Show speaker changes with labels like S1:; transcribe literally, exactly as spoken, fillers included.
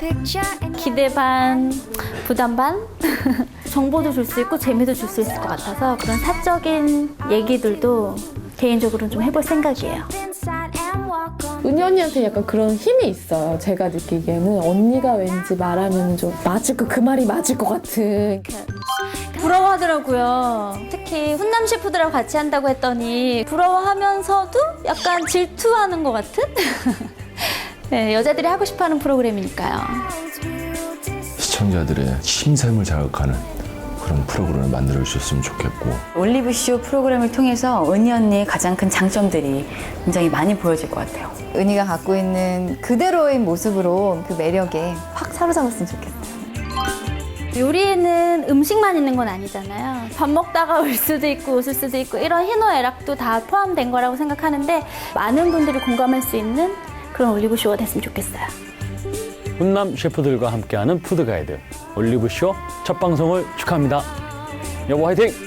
S1: 기대 반, 부담 반? 정보도 줄 수 있고 재미도 줄 수 있을 것 같아서 그런 사적인 얘기들도 개인적으로는 좀 해볼 생각이에요.
S2: 은희 언니한테 약간 그런 힘이 있어요. 제가 느끼기에는 언니가 왠지 말하면 좀 맞을 거, 그 말이 맞을 것 같은.
S1: 부러워하더라고요. 특히 훈남 셰프들하고 같이 한다고 했더니 부러워하면서도 약간 질투하는 것 같은? 네, 여자들이 하고 싶어하는 프로그램이니까요.
S3: 시청자들의 심샘을 자극하는 그런 프로그램을 만들어 주셨으면 좋겠고
S4: 올리브쇼 프로그램을 통해서 은희 언니의 가장 큰 장점들이 굉장히 많이 보여질 것 같아요.
S5: 은희가 갖고 있는 그대로의 모습으로 그 매력에 확 사로잡았으면 좋겠어요.
S1: 요리에는 음식만 있는 건 아니잖아요. 밥 먹다가 울 수도 있고 웃을 수도 있고 이런 희노애락도 다 포함된 거라고 생각하는데 많은 분들이 공감할 수 있는 그런 올리브쇼가 됐으면 좋겠어요.
S6: 훈남 셰프들과 함께하는 푸드 가이드 올리브쇼 첫 방송을 축하합니다. 여보 화이팅!